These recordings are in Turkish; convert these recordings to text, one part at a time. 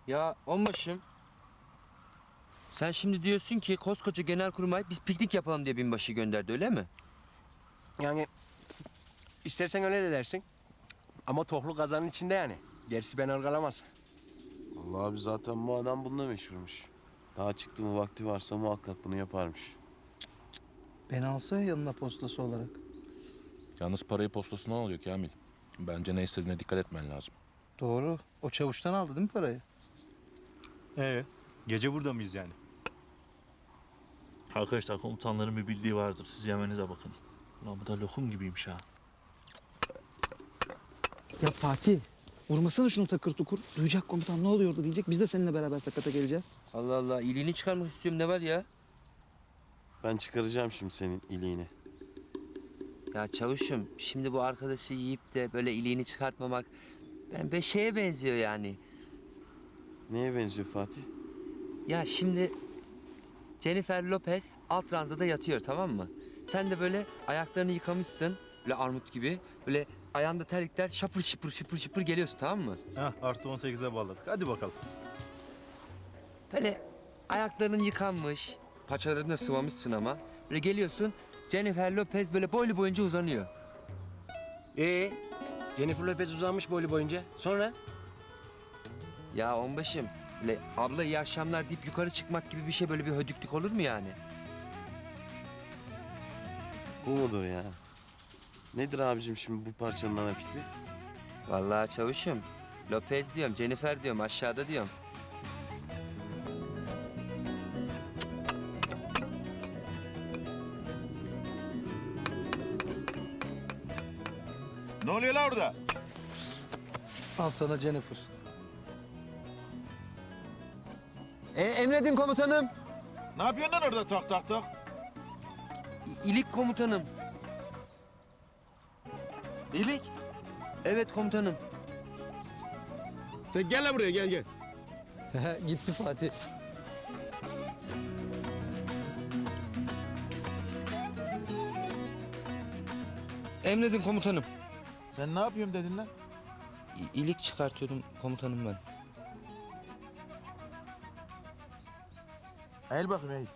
Ya onbaşım. Sen şimdi diyorsun ki koskoca genelkurmay biz piknik yapalım diye binbaşı gönderdi öyle mi? Yani istersen öyle de dersin. Ama tohlu kazanın içinde yani. Gerisi beni ırgalamaz. Vallahi abi zaten bu adam bununla meşhurmuş. Daha çıktı mı vakti varsa muhakkak bunu yaparmış. Beni alsa ya yanına postası olarak. Yalnız parayı postasından alıyor Kamil. Bence ne istediğine dikkat etmen lazım. Doğru. O çavuştan aldı değil mi parayı? Gece burada mıyız yani? Arkadaşlar komutanların bir bildiği vardır. Siz yemenize bakın. Ulan bu da lokum gibiymiş ha. Ya Fatih, vurmasana şunu takır tukur. Duyacak komutan ne oluyordu diyecek. Biz de seninle beraber sakata geleceğiz. Allah Allah iyiliğini çıkarmak istiyorum ne var ya? Ben çıkaracağım şimdi senin iliğini. Ya çavuşum şimdi bu arkadaşı yiyip de böyle iliğini çıkartmamak yani bir şeye benziyor yani. Neye benziyor Fatih? Ya şimdi Jennifer Lopez alt ranzada yatıyor tamam mı? Sen de böyle ayaklarını yıkamışsın böyle armut gibi böyle ayağında terlikler şapır şıpır şıpır şıpır geliyorsun tamam mı? Heh, artı 18'e bağladık. Hadi bakalım. Böyle ayakların yıkanmış, paçalarını da sıvamışsın ama. Böyle geliyorsun, Jennifer Lopez böyle boylu boyunca uzanıyor. Jennifer Lopez uzanmış boylu boyunca. Sonra? Ya onbaşım, böyle abla iyi akşamlar deyip yukarı çıkmak gibi bir şey böyle bir hödüklük olur mu yani? Bu mudur ya? Nedir abicim şimdi bu parçanın ana fikri? Vallahi çavuşum, Lopez diyorum, Jennifer diyorum, aşağıda diyorum. Ne oluyor la orada? Al sana Jennifer. Emredin komutanım. Ne yapıyorsun lan orada tak tak tak? İlik komutanım. İyilik. Evet komutanım. Sen gel la buraya gel. Gitti Fatih. Emredin komutanım. Sen ne yapıyorum dedin lan? İlik çıkartıyordum komutanım ben. Eğil bakayım eğil.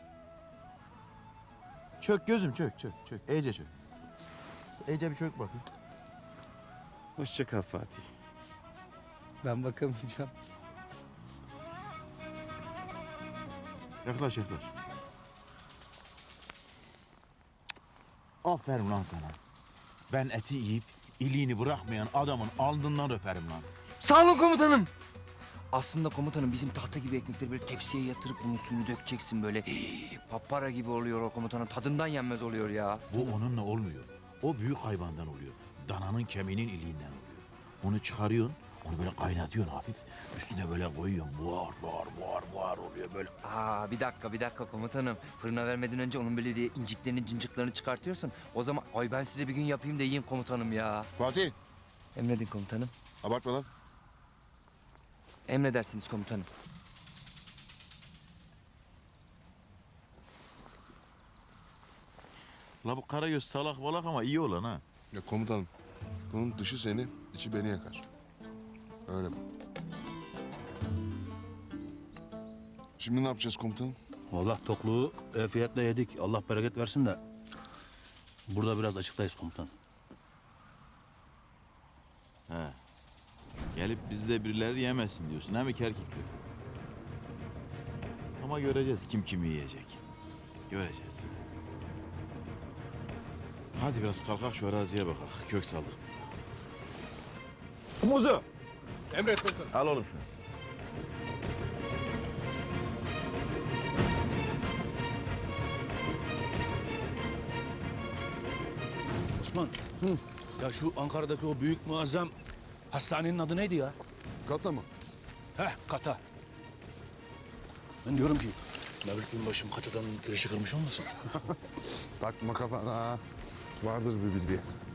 Çök gözüm çök. İyice çök. İyice bir çök bakayım. Hoşça kal Fatih. Ben bakamayacağım. Yaklaş. Aferin lan sana. Ben eti yiyip iliğini bırakmayan adamın alnından öperim lan. Sağ olun komutanım. Aslında komutanım bizim tahta gibi ekmekleri böyle tepsiye yatırıp bunun suyunu dökeceksin böyle. Papara gibi oluyor o komutanım. Tadından yenmez oluyor ya. Bu onunla olmuyor. O büyük hayvandan oluyor. Dananın kemiğinin iliğinden oluyor. Onu çıkarıyorsun, onu böyle kaynatıyorsun hafif. Üstüne böyle koyuyorsun. Buhar oluyor böyle. Aa bir dakika komutanım. Fırına vermeden önce onun böyle diye inciklerini cinciklerini çıkartıyorsun. O zaman ay ben size bir gün yapayım da yiyeyim komutanım ya. Fatih, Emredin komutanım. abartma lan. Emredersiniz komutanım. La bu Karagöz salak balak ama iyi olan ha. Ya komutanım, bunun dışı seni, içi beni yakar. Öyle mi? Şimdi ne yapacağız komutanım? Vallahi tokluğu fiyatle yedik. Allah bereket versin de. Burada biraz açıktayız komutan. Gelip bizde birileri yemesin diyorsun. Hem iki erkek diyor. Ama göreceğiz kim kimi yiyecek. Göreceğiz. Hadi biraz kalkak şu araziye bakak. Kök saldık. Muzu! Emret komutanım. Al oğlum şunu. Osman. Ya şu Ankara'daki o büyük muazzam hastanenin adı neydi ya? Katla mı? Kata. Ben diyorum ki Mevlüt Binbaşı'm Kata'dan girişi kırmış olmasın? Takma kafana. Vardır bir bildiği.